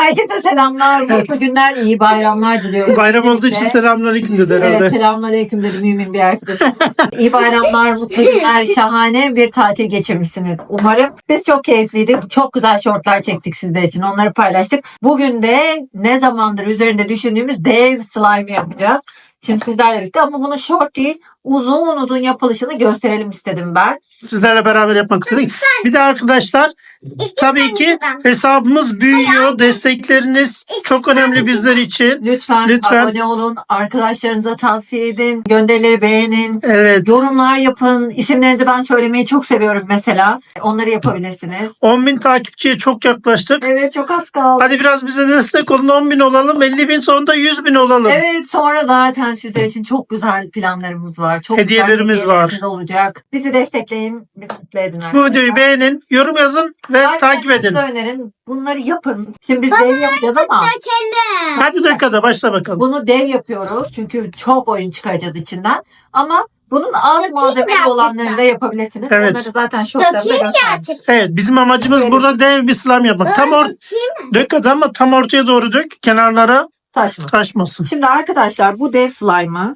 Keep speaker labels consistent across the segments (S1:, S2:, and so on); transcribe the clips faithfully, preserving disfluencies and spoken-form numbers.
S1: Herkese selamlar, mutlu günler, iyi bayramlar diliyorum.
S2: Bayram olduğu için selamünaleyküm dedi herhalde.
S1: Evet, selamünaleyküm dedi mümin bir arkadaşım. İyi bayramlar, mutlu günler, şahane bir tatil geçirmişsiniz umarım. Biz çok keyifliydik, çok güzel şortlar çektik sizler için, onları paylaştık. Bugün de ne zamandır üzerinde düşündüğümüz dev slime yapacağız. Şimdi sizlerle birlikte ama bunu short değil, uzun uzun yapılışını gösterelim istedim ben.
S2: Sizlerle beraber yapmak istedik. Bir de arkadaşlar tabii ki hesabımız büyüyor. Destekleriniz çok önemli bizler için.
S1: Lütfen,
S2: Lütfen.
S1: abone olun, arkadaşlarınıza tavsiye edin, gönderileri beğenin,
S2: Evet.
S1: yorumlar yapın. İsimlerinizi ben söylemeyi çok seviyorum mesela. Onları yapabilirsiniz.
S2: on bin takipçiye çok yaklaştık.
S1: Evet, çok az kaldı.
S2: Hadi biraz bize destek olun. on bin olalım. elli bin sonunda yüz bin olalım.
S1: Evet, sonra zaten sizler için çok güzel planlarımız var. Çok
S2: Hediyelerimiz
S1: güzel hediyelerimiz
S2: var.
S1: olacak. Bizi destekleyin, bizi mutlu edin
S2: Bu
S1: arkadaşlar.
S2: videoyu beğenin, yorum yazın ve takip edin.
S1: Arkadaşlarınıza önerin. Bunları yapın. Şimdi biz dev yapacağız ama
S2: Hadi dakikada başla bakalım.
S1: bunu dev yapıyoruz. Çünkü çok oyun çıkaracağız içinden. Ama bunun az
S3: Dökeyim
S1: malzemeli
S3: gerçekten.
S1: olanlarını da yapabilirsiniz.
S2: Evet.
S1: Onları zaten şortlarında
S3: Dökeyim
S1: göstermiş.
S3: gerçekten.
S2: Evet, bizim amacımız burada dev bir slime yapmak. Tam or dök hadi ama tam ortaya doğru dök. Kenarlara
S1: Taşma.
S2: taşmasın.
S1: Şimdi arkadaşlar bu dev slime'ı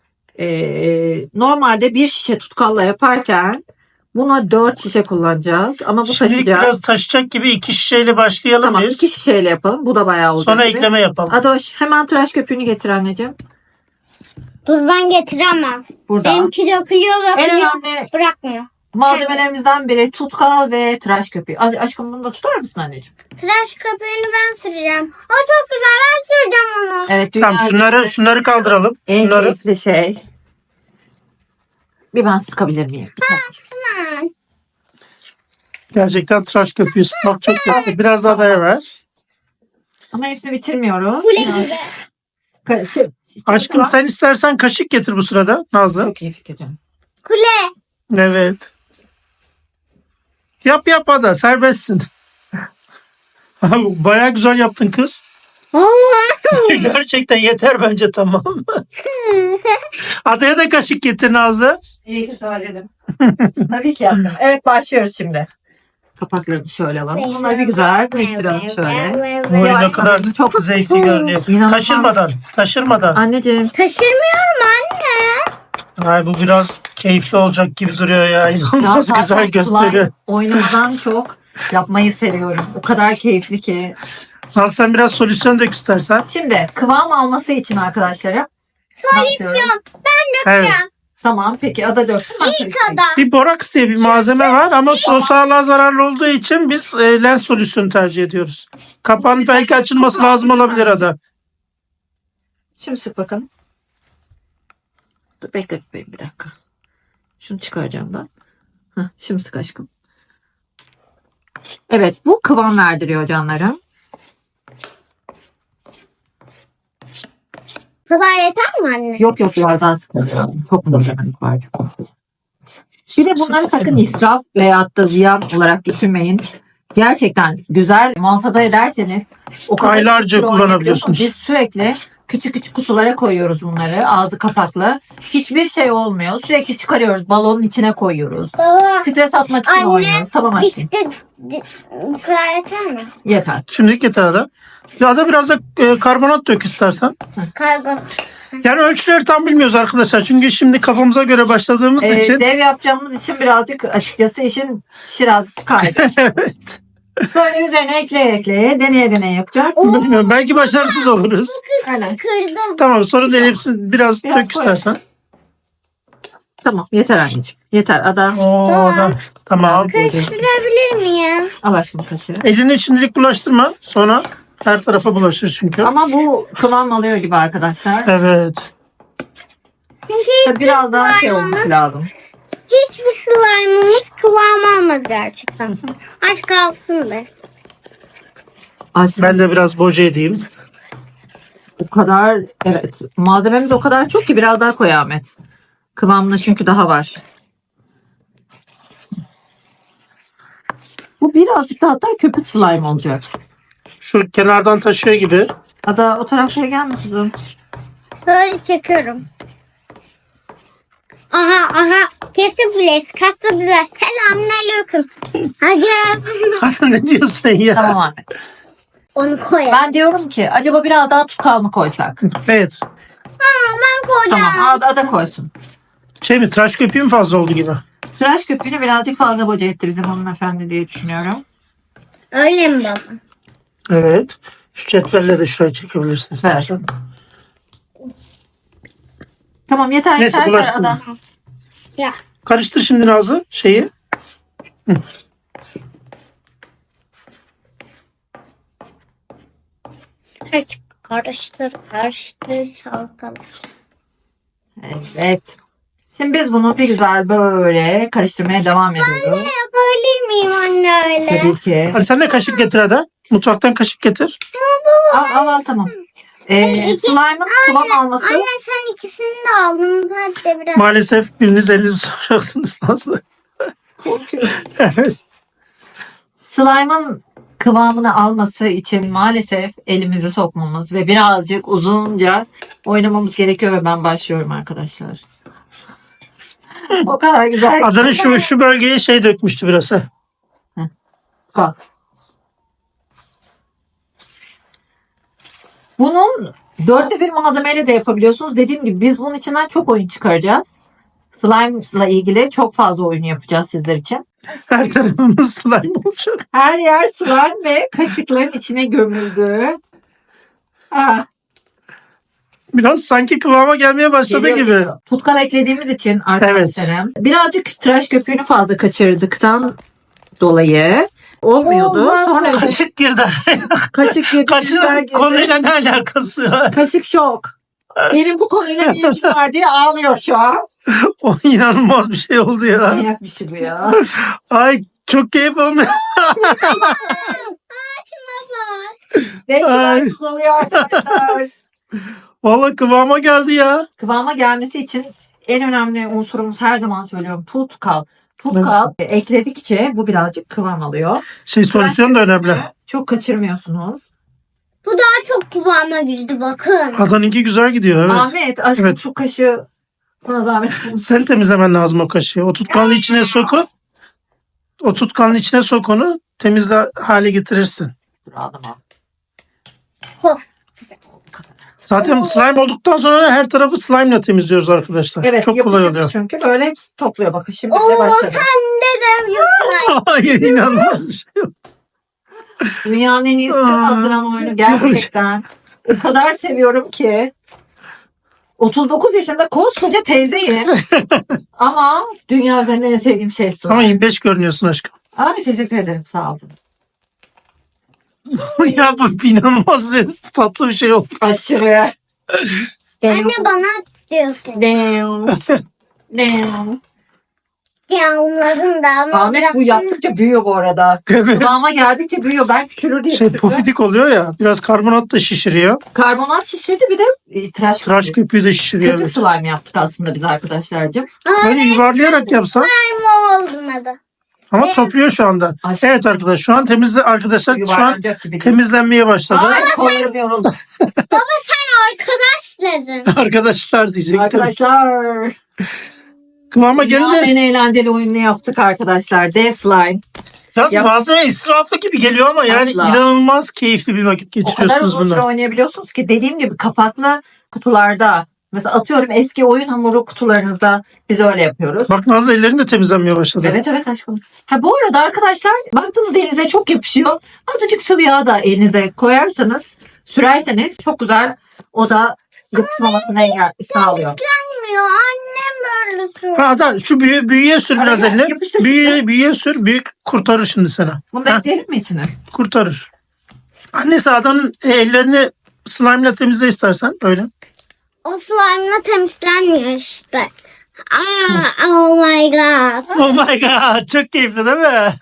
S1: eee, normalde bir şişe tutkalla yaparken buna dört şişe kullanacağız. Ama bu
S2: Şimdi
S1: taşıyacak.
S2: biraz taşacak gibi iki şişeyle başlayalım
S1: Tamam,
S2: biz.
S1: iki şişeyle yapalım. Bu da bayağı olacak.
S2: Sonra
S1: gibi.
S2: ekleme yapalım.
S1: Adoş hemen tıraş köpüğünü getir anneciğim.
S3: Dur ben getiremem.
S1: Burada.
S3: Benimki dökülüyor
S1: En
S3: dökülüyor.
S1: önemli
S3: Bırakmıyor.
S1: malzemelerimizden biri tutkal ve tıraş köpüğü. A- Aşkım bunu da tutar mısın anneciğim?
S3: Tıraş köpüğünü ben süreceğim. O çok güzel, ben süreceğim onu.
S1: Evet.
S2: Tamam,
S1: dünya
S2: şunları
S1: üzerinde
S2: şunları kaldıralım.
S1: en
S2: Şunları.
S1: keyifli şey. Bir ben sıkabilir miyim? Bir tane.
S3: Tamam.
S2: Gerçekten tıraş köpüğü sıkmak çok kötü. Biraz daha daya ver.
S1: Ama hepsini bitirmiyoruz.
S3: Kule gibi.
S1: Ka- şey-
S2: Aşkım sen istersen kaşık getir bu sırada Nazlı.
S1: Çok iyi fikir canım.
S3: Kule.
S2: Evet. Yap yap Ada, serbestsin. Bayağı güzel yaptın kız. Gerçekten yeter bence, tamam. Adaya da kaşık getir Nazlı.
S1: İyi ki söyledim. Tabii ki yaptım. Evet, başlıyoruz şimdi. Kapaklarını şöyle alalım. Bunları bir güzel karıştıralım şöyle.
S2: Oy,
S1: Yavaş
S2: ne kadar
S1: yavaş. Çok-
S2: zevkli görünüyor.
S1: İnanılmaz.
S2: Taşırmadan, taşırmadan.
S1: Anneciğim.
S3: Taşırmıyorum anne.
S2: Ay, bu biraz keyifli olacak gibi duruyor ya.
S1: Ya
S2: İnanılmaz
S1: zaten
S2: güzel gösteriyor.
S1: slime oynamaktan çok yapmayı seviyorum. O kadar keyifli ki.
S2: Nazlı sen biraz solüsyon dök istersen.
S1: Şimdi kıvam alması için arkadaşlarım. Solüsyon.
S2: Evet.
S1: Tamam, peki ada döksün. ben
S3: İlk
S1: karıştırayım.
S3: adam.
S2: Bir boraks diye bir malzeme var ama su sağlığa zararlı olduğu için biz e, lens solüsyonu tercih ediyoruz. Kapağın belki açılması lazım olabilir Ada.
S1: Şimdi sık bakalım. Dur, bekle bebeğim bir dakika. Şunu çıkaracağım ben. Heh, şimdi sık aşkım. Evet, bu kıvam verdiriyor canlarım.
S3: Bu kadar yeter mi anne?
S1: Yok yok, biraz daha sıkacağım. Çok mutluluk var. Bir de bunları sakın israf veyahut da ziyan olarak düşünmeyin. Gerçekten güzel muhafaza ederseniz o kadar
S2: Aylarca
S1: uzun süre
S2: kullanabiliyorsunuz.
S1: oynayabiliyorsunuz. Biz sürekli küçük küçük kutulara koyuyoruz bunları. Ağzı kapaklı. Hiçbir şey olmuyor. Sürekli çıkarıyoruz. Balonun içine koyuyoruz.
S3: Baba.
S1: Stres atmak için
S3: Anne,
S1: oynuyoruz. Tamam aşkım.
S3: Bitti. Bu kadar yeter mi?
S1: Yeter.
S2: Şimdilik yeter Ada. Ya Ada biraz da e, karbonat dök istersen.
S3: Kargo.
S2: Yani ölçüleri tam bilmiyoruz arkadaşlar. Çünkü şimdi kafamıza göre başladığımız
S1: Ee,
S2: için.
S1: dev yapacağımız için birazcık açıkçası işin şirazesi kaydı.
S2: Evet.
S1: Böyle üzerine ekleye ekleye deneye deneye yapacağız.
S2: Bilmiyorum, belki başarısız oluruz.
S1: Aynen.
S3: Kırdım.
S2: Tamam, sonra deneyip biraz,
S1: Biraz
S2: dök
S1: koy.
S2: istersen.
S1: Tamam, yeter anneciğim. Yeter ada.
S2: Oo, da. Tamam.
S3: Karıştırabilir miyim?
S1: Al aşkım kaşığı.
S2: Elini şimdilik bulaştırma. Sonra her tarafa bulaşır çünkü.
S1: Ama bu kıvam alıyor gibi arkadaşlar.
S2: Evet.
S3: Çünkü hiçbir
S1: Biraz daha şey
S3: slime'ımız-
S1: olması lazım.
S3: Hiçbir slime'ımız kıvam almadı gerçekten. Aç kalsın be.
S1: Aşkım,
S2: Ben de biraz boca edeyim.
S1: o kadar, evet, malzememiz o kadar çok ki biraz daha koy Ahmet. Kıvamında çünkü daha var. Bu birazcık da hatta köpük slime olacak.
S2: Şu kenardan taşıyor gibi.
S1: Ada o tarafa gelme kızım.
S3: Böyle çekiyorum. Aha aha. Kesebiliriz. Kesebiliriz. Selamünaleyküm. Hadi.
S2: Ne diyorsun ya?
S1: Tamam Ahmet.
S3: Onu koyalım.
S1: Ben diyorum ki acaba biraz daha tutkal mı koysak?
S2: Evet.
S3: Ben koyacağım.
S1: Tamam, Ada da koysun.
S2: Şey mi, tıraş köpüğü mü fazla oldu gibi?
S1: Tıraş köpüğünü birazcık fazla boca etti bizim hanımefendi diye düşünüyorum.
S3: Öyle mi baba?
S2: Evet. Şu cetvelle de şuraya çekebilirsin
S1: Evet.
S2: istersen.
S1: Tamam yeter
S2: Neyse,
S1: yeter
S2: bulaştırma.
S1: Ada.
S3: Ya.
S2: Karıştır şimdi Nazlı şeyi.
S3: Karıştır, karıştır, karıştır, çalkala.
S1: Evet. Şimdi biz bunu bir güzel böyle karıştırmaya devam ediyoruz.
S3: Yapabilir miyim anne öyle?
S1: Tabii ki.
S2: Hadi sen de kaşık getir Ada. Mutfaktan kaşık getir.
S1: Al al al tamam. Ee, slime'ın kıvam alması.
S3: Anne sen ikisini de aldın. Hadi de biraz.
S2: Maalesef biriniz elinizi soracaksınız Nazlı. Evet.
S1: Slime'ın kıvamını alması için maalesef elimizi sokmamız ve birazcık uzunca oynamamız gerekiyor ve ben başlıyorum arkadaşlar. O kadar güzel.
S2: Adanın şu, şu bölgeye şey dökmüştü biraz. Ha.
S1: Bak. Bunun dörtte bir malzemeyle de yapabiliyorsunuz. Dediğim gibi biz bunun içinden çok oyun çıkaracağız. Slime ile ilgili çok fazla oyun yapacağız sizler için.
S2: Her tarafımız slime olacak.
S1: Her yer slime ve kaşıkların içine gömüldü. Ah,
S2: Biraz sanki kıvama gelmeye başladı
S1: geliyor,
S2: gibi.
S1: geliyor. Tutkal eklediğimiz için arkadaşlarım. Birazcık tıraş köpüğünü fazla kaçırdıktan dolayı olmuyordu.
S3: Olmaz.
S1: Sonra
S2: Kaşık girdi.
S1: kaşık girdi. biber
S2: Kaşığın
S1: girdi.
S2: konuyla ne alakası var?
S1: Kaşık şok. Benim bu konuyla ne ilgim var diye ağlıyor şu an.
S2: O inanılmaz bir şey oldu ya.
S1: Manyak bir şey bu ya.
S2: Ay çok keyif olmuyor.
S1: Neyse
S2: Ay.
S1: ben oluyor arkadaşlar.
S2: Valla kıvama geldi ya.
S1: Kıvama gelmesi için en önemli unsurumuz her zaman söylüyorum tutkal. Tutkal ekledikçe bu birazcık kıvam alıyor.
S2: Şey solüsyon da önemli.
S1: Çok kaçırmıyorsunuz.
S3: Bu daha çok kıvama girdi bakın.
S2: Adanınki güzel gidiyor evet.
S1: Ahmet aşkım
S2: Evet.
S1: şu kaşığı bana zahmet.
S2: Sen temizlemen lazım o kaşığı. O tutkanın içine sokup o tutkanın içine sok onu temizle hale getirirsin.
S1: Dur adama.
S3: Of.
S2: Zaten slime olduktan sonra her tarafı slime ile temizliyoruz arkadaşlar.
S1: Evet
S2: Çok kolay
S1: yapışık
S2: oluyor.
S1: çünkü böyle hepsi topluyor. Bakın şimdi
S3: Oo
S1: de başladı.
S3: sen de dövüyorsun.
S2: Ay inanılmaz bir şey.
S1: Dünyanın en iyi stres
S2: Aa,
S1: attıran oyunu gerçekten. O kadar seviyorum ki. otuz dokuz yaşında koskoca teyzeyim. Ama dünya üzerinde en sevdiğim şey slime.
S2: Ama yirmi beş görünüyorsun aşkım.
S1: Abi teşekkür ederim sağ olun.
S2: Ya bu inanılmaz bir tatlı bir şey oldu.
S1: Aşırı.
S3: Anne bana diyorsun.
S1: Damn. Damn.
S3: Yağmurladın da ama
S1: Ahmet bu
S3: biraz-
S1: yaptıkça büyüyor bu arada.
S2: Evet.
S1: Kıvama geldikçe büyüyor. Ben küçülür diye
S2: Şey
S1: düşündüm.
S2: pofidik oluyor ya. Biraz karbonat da şişiriyor.
S1: Karbonat şişirdi bir de e, tıraş,
S2: Tıraş
S1: köpüğü.
S2: köpüğü de şişiriyor.
S1: Köpük
S2: Evet.
S1: slime yaptık aslında biz arkadaşlarcığım.
S2: Böyle yuvarlayarak yapsan.
S3: Slime olmadı.
S2: Ama topluyor şu anda.
S1: Aşkım.
S2: Evet arkadaşlar şu an temizle arkadaşlar şu an
S1: Yuvarlanacak gibi.
S2: temizlenmeye başladı.
S1: Ay kollarım yoruldu.
S3: Baba sen arkadaş dedin.
S2: Arkadaşlar diyecektim.
S1: Arkadaşlar.
S2: Kıvama
S1: Dünyanın
S2: gelince
S1: en eğlenceli oyununu yaptık arkadaşlar. D slime.
S2: biraz
S1: Yap-
S2: malzeme israfı gibi geliyor ama yani
S1: Asla.
S2: inanılmaz keyifli bir vakit
S1: O kadar
S2: geçiriyorsunuz
S1: uzun süre
S2: bununla.
S1: oynayabiliyorsunuz ki dediğim gibi kapaklı kutularda. Mesela atıyorum eski oyun hamuru kutularınızda biz öyle yapıyoruz.
S2: Bak Nazlı ellerin de temizlenmeye başladı.
S1: Evet evet aşkım. Ha bu arada arkadaşlar baktığınız elinize çok yapışıyor. Azıcık sıvı yağ da elinize koyarsanız sürerseniz çok güzel o da yapışmamasını engel sağlıyor.
S3: Bilmiyor annem böyle sürüyor.
S2: Ha da şu büyü, büyüye sür biraz
S1: Aynen,
S2: eline.
S1: yapıştır
S2: Büyüye,
S1: şimdi.
S2: büyüye sür. Büyük kurtarır şimdi sana.
S1: Bunu da
S2: Ha,
S1: ekleyelim mi içine?
S2: kurtarır. Annesi adanın e, ellerini slime ile temizle istersen öyle.
S3: O slime'la temizlenmiyor işte. Aa, oh my god.
S2: Oh my god çok keyifli değil mi?
S3: Aa,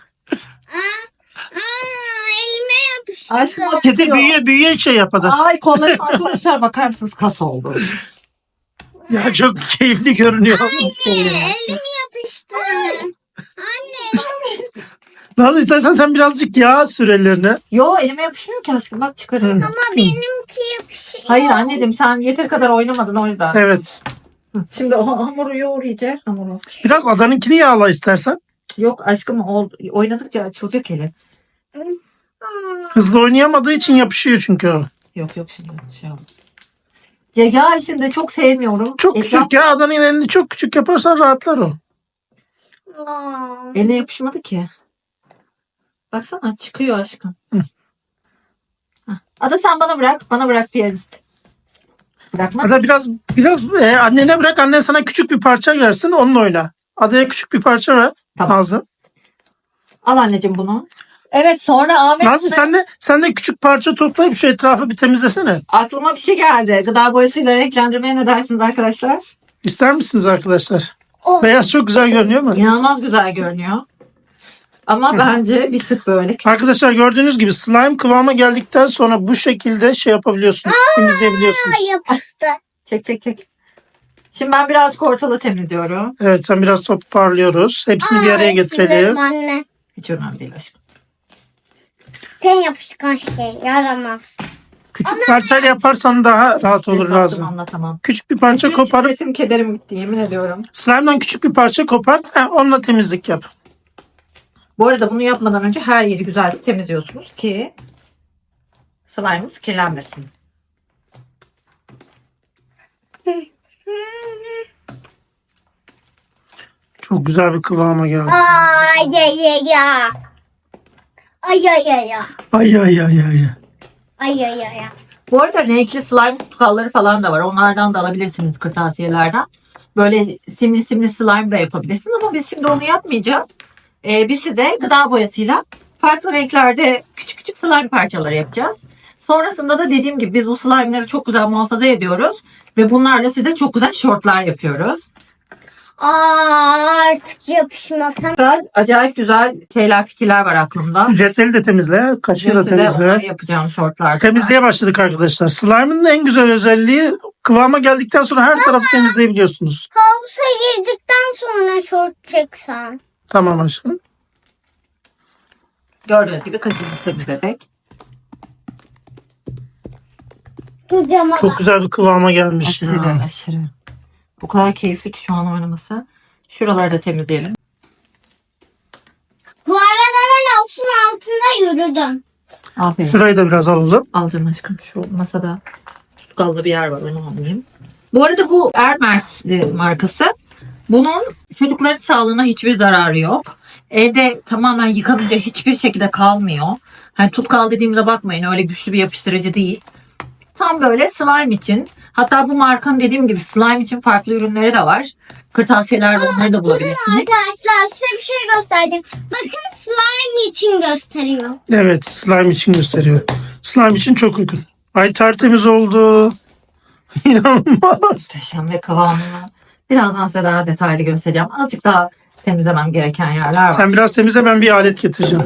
S3: elime yapıştı.
S1: Aşkım o
S2: Kedi
S1: titriyor.
S2: büyüye büyüye şey yap ada.
S1: Ay kollarım arkadaşlar bakar mısınız kas oldu.
S2: Ya çok keyifli görünüyor.
S3: Elim yapıştı. Anne.
S2: Nazlı istersen sen birazcık yağ sür ellerine.
S1: Yo elime yapışmıyor ki aşkım bak çıkarıyorum.
S3: Ama benimki yapışıyor.
S1: Hayır anneciğim sen yeter kadar oynamadın o yüzden.
S2: Evet.
S1: Şimdi o hamuru yoğur iyice hamuru.
S2: Biraz adanınkini yağla istersen.
S1: Yok aşkım ol, oynadıkça açılacak eli.
S2: Hızlı oynayamadığı için yapışıyor çünkü o.
S1: Yok yok şimdi şey oldu. Ya yağ içinde çok sevmiyorum.
S2: Çok
S1: Ekran-
S2: küçük ya, adanın elini çok küçük yaparsan rahatlar o.
S3: Aa.
S1: Eline yapışmadı ki. Baksana çıkıyor aşkım.
S2: Hı.
S1: Hah. Ada sen bana bırak. Bana bırak piyanist. Bırakma.
S2: Ada biraz biraz e, annene bırak, annen sana küçük bir parça versin, onunla oyna. Adaya küçük bir parça ver.
S1: Tamam.
S2: Nazlı.
S1: Al anneciğim bunu. Evet sonra Ahmet
S2: Nazlı sen de sen de küçük parça toplayıp şu etrafı bir temizlesene.
S1: aklıma bir şey geldi. Gıda boyasıyla renklendirmeye ne dersiniz arkadaşlar?
S2: İster misiniz arkadaşlar?
S3: Oh.
S2: Beyaz çok güzel görünüyor mu?
S1: İnanılmaz güzel görünüyor. Ama bence bir tık böyle.
S2: Arkadaşlar gördüğünüz gibi slime kıvama geldikten sonra bu şekilde şey yapabiliyorsunuz. Temizleyebiliyorsunuz.
S3: Aa, yapıştı.
S1: Çek çek çek. Şimdi ben birazcık ortalığı temizliyorum.
S2: Evet, sen biraz toparlıyoruz. Hepsini bir araya
S3: Aa,
S2: getirelim.
S3: sinirlerim Anne.
S1: Hiç önemli değil aşkım.
S3: Sen yapışkan şey yaramaz.
S2: Küçük parçayla yaparsan daha rahat olur
S1: Sattım,
S2: lazım.
S1: anlatamam.
S2: Küçük bir parça
S1: Bütün
S2: koparıp
S1: stresim, kederim gitti yemin ediyorum.
S2: slime'dan küçük bir parça kopart. He, onunla temizlik yap.
S1: Bu arada bunu yapmadan önce her yeri güzel temizliyorsunuz ki slime'ınız kirlenmesin.
S2: Çok güzel bir kıvama geldi.
S3: Ay ay ay ay. Ay ay ay ay.
S2: Ay ay ay ay.
S3: Ay ay ay ay.
S1: Bu arada renkli slime tutkalları falan da var. Onlardan da alabilirsiniz kırtasiyelerden. Böyle simli simli slime da yapabilirsiniz ama biz şimdi onu yapmayacağız. Ee, biz size gıda boyasıyla farklı renklerde küçük küçük slime parçaları yapacağız. Sonrasında da dediğim gibi biz bu slime'ları çok güzel muhafaza ediyoruz. Ve bunlarla size çok güzel şortlar yapıyoruz.
S3: Aa, artık yapışmasam.
S1: Güzel, acayip güzel şeyler, fikirler var aklımda.
S2: Şu cetveli de temizle. Kaşığı da
S1: Size
S2: temizle.
S1: onları yapacağım şortlar.
S2: Temizliğe başladık arkadaşlar. Slime'ın en güzel özelliği kıvama geldikten sonra her tarafı temizleyebiliyorsunuz.
S3: Havuza girdikten sonra şort çeksen.
S2: Tamam aşkım.
S1: Gördüğünüz gibi kaşığını temizledik.
S3: Duracağım ama.
S2: Çok güzel bir kıvama gelmiş. ya.
S1: Aşırı aşırı. Bu kadar keyifli ki şu an oynaması. Şuraları da temizleyelim.
S3: Bu arada ben havuzun altında yürüdüm.
S1: Aferin.
S2: Şurayı da biraz alalım.
S1: Alacağım aşkım. Şu masada tutkallı bir yer var. Onu almayayım. Bu arada bu Hermes markası. Bunun çocukların sağlığına hiçbir zararı yok. Elde tamamen yıkanınca hiçbir şekilde kalmıyor. Hani tutkal dediğimize bakmayın. Öyle güçlü bir yapıştırıcı değil. Tam böyle slime için. Hatta bu markanın dediğim gibi slime için farklı ürünleri de var. Kırtasiyelerde onları da bulabilirsiniz.
S3: Arkadaşlar size bir şey göstereceğim. Bakın slime için gösteriyor.
S2: Evet, slime için gösteriyor. Slime için çok uygun. Ay tertemiz oldu. İnanılmaz.
S1: Muhteşem ve kıvamını. Birazdan size daha detaylı göstereceğim. Azıcık daha temizlemem gereken yerler var.
S2: Sen biraz temizle, ben bir alet getireceğim.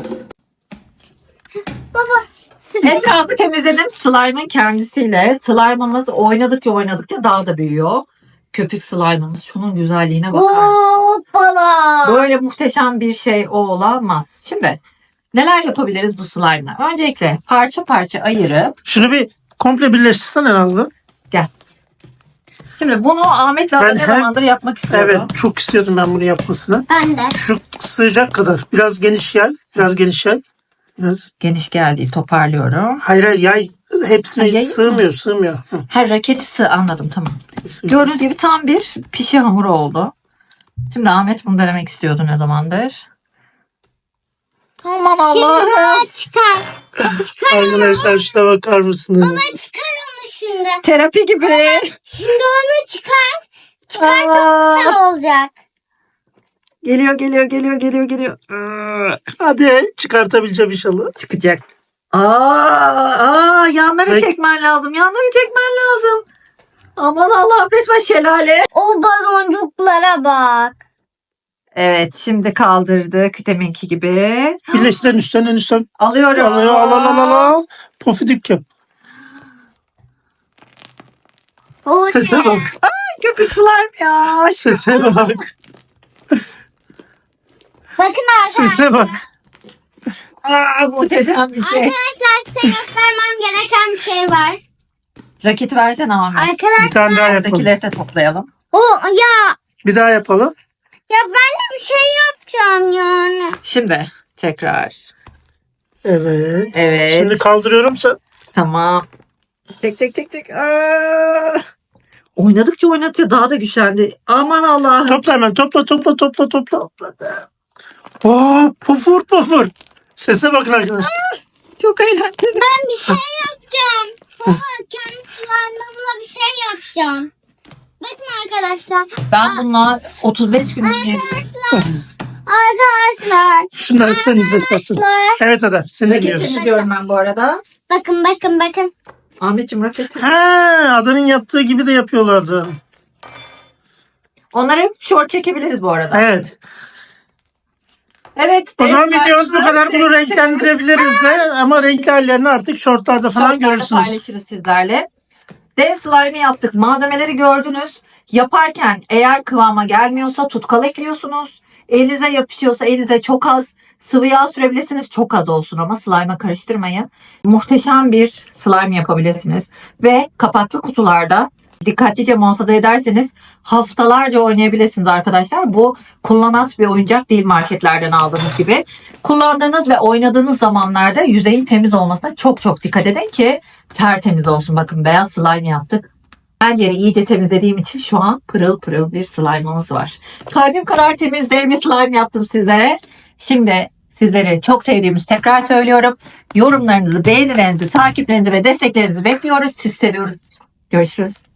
S3: Baba.
S1: Etrafı temizledim slime'ın kendisiyle. Slime'ımız oynadıkça oynadıkça daha da büyüyor. Köpük slime'ımız. Şunun güzelliğine bakar mısın?
S3: Hoppala.
S1: Böyle muhteşem bir şey o olamaz. Şimdi neler yapabiliriz bu slime'la? Öncelikle parça parça ayırıp
S2: Şunu bir komple birleştirsene Nazlı.
S1: gel. Şimdi bunu Ahmet'le
S2: Ben
S1: ne
S2: her-
S1: zamandır yapmak istiyorum.
S2: Evet, çok istiyordum ben bunu yapmasını.
S3: Ben de.
S2: Şu sığacak kadar. Biraz geniş yay. Biraz geniş yay. Biraz.
S1: Geniş geldi toparlıyorum.
S2: Hayır hayır, yay hepsine
S1: Ha, yayı
S2: sığmıyor sığmıyor. Hı.
S1: Her raketi sığ anladım tamam. Gördüğünüz gibi tam bir pişi hamuru oldu. Şimdi Ahmet bunu denemek istiyordu ne zamandır. Aman
S3: Şimdi
S1: Allah'ım.
S3: baba çıkar. Çıkar onu.
S2: Arkadaşlar şuna bakar mısınız?
S3: Baba çıkar onu şimdi.
S1: Terapi gibi.
S3: Şimdi onu çıkar. Çıkar çok
S1: Aa,
S3: güzel olacak.
S1: geliyor geliyor geliyor geliyor geliyor.
S2: Hadi çıkartabileceğim inşallah.
S1: Çıkacak. Aa, aa yanları
S2: Ay.
S1: çekmen lazım. Yanları çekmen lazım. Aman Allah'ım resmen şelale.
S3: O baloncuklara bak.
S1: Evet şimdi kaldırdık deminki gibi.
S2: Birleştiren üstten en üstten
S1: Alıyorum.
S2: alıyor. Al al al al al. Pofidik yap.
S3: O
S2: Sese
S3: ne?
S2: bak.
S1: Köpük slime ya.
S2: Sese bak.
S3: Bakın arkadaşlar.
S2: Sese bak.
S1: Aa, muhteşem bir şey.
S3: Arkadaşlar size göstermem gereken bir şey var.
S1: Raketi versene Ahmet.
S3: Arkadaşlar.
S2: Bir tane daha yapalım.
S1: Buradakileri de toplayalım.
S3: O ya.
S2: Bir daha yapalım.
S3: Ya ben de bir şey yapacağım yani.
S1: Şimdi tekrar
S2: Evet.
S1: Evet.
S2: Şimdi kaldırıyorum. Sen...
S1: Tamam. Tek tek tek tek. Aa! Oynadıkça oynatıyor. Daha da güçlendi. Aman Allah'ım.
S2: Topla hemen. Topla topla topla topla.
S1: Topladı.
S2: Oo, pufur pufur. Sese bakın arkadaşlar.
S1: Çok eğlenceli.
S3: Ben bir şey yapacağım. Baba kendi slime'ımla bir şey yapacağım. Bakın arkadaşlar.
S1: Ben bunlar otuz beş gün önce
S3: Arkadaşlar. Arkadaşlar.
S2: Şunları temizle istersen.
S3: Arkadaşlar.
S2: Evet Adem. Seni
S1: raket
S2: dinliyoruz.
S1: temizliyorum ben bu arada.
S3: Bakın bakın bakın.
S1: Ahmetciğim raket.
S2: Ha, Adanın yaptığı gibi de yapıyorlardı.
S1: Onları hep short çekebiliriz bu arada.
S2: Evet.
S1: Evet.
S2: O zaman
S1: dev
S2: videomuz bu
S1: slime'ı
S2: kadar. Bunu
S1: renk-
S2: renklendirebiliriz de ama renkli hallerini artık shortlarda falan
S1: Shortlarda
S2: görürsünüz.
S1: paylaşırız sizlerle. Dev slime'ı yaptık. Malzemeleri gördünüz. Yaparken eğer kıvama gelmiyorsa tutkal ekliyorsunuz. Elinize yapışıyorsa elinize çok az sıvı yağ sürebilirsiniz. Çok az olsun ama slime'a karıştırmayın. Muhteşem bir slime yapabilirsiniz. Ve kapaklı kutularda dikkatlice muhafaza ederseniz haftalarca oynayabilirsiniz arkadaşlar. Bu kullanat bir oyuncak değil, marketlerden aldığınız gibi. Kullandığınız ve oynadığınız zamanlarda yüzeyin temiz olmasına çok çok dikkat edin ki tertemiz olsun. Bakın beyaz slime yaptık. Her yeri iyice temizlediğim için şu an pırıl pırıl bir slime'ımız var. Kalbim kadar temiz dev bir slime yaptım size. Şimdi sizleri çok sevdiğimiz tekrar söylüyorum. Yorumlarınızı, beğenilerinizi, takiplerinizi ve desteklerinizi bekliyoruz. Sizi seviyoruz. Görüşürüz.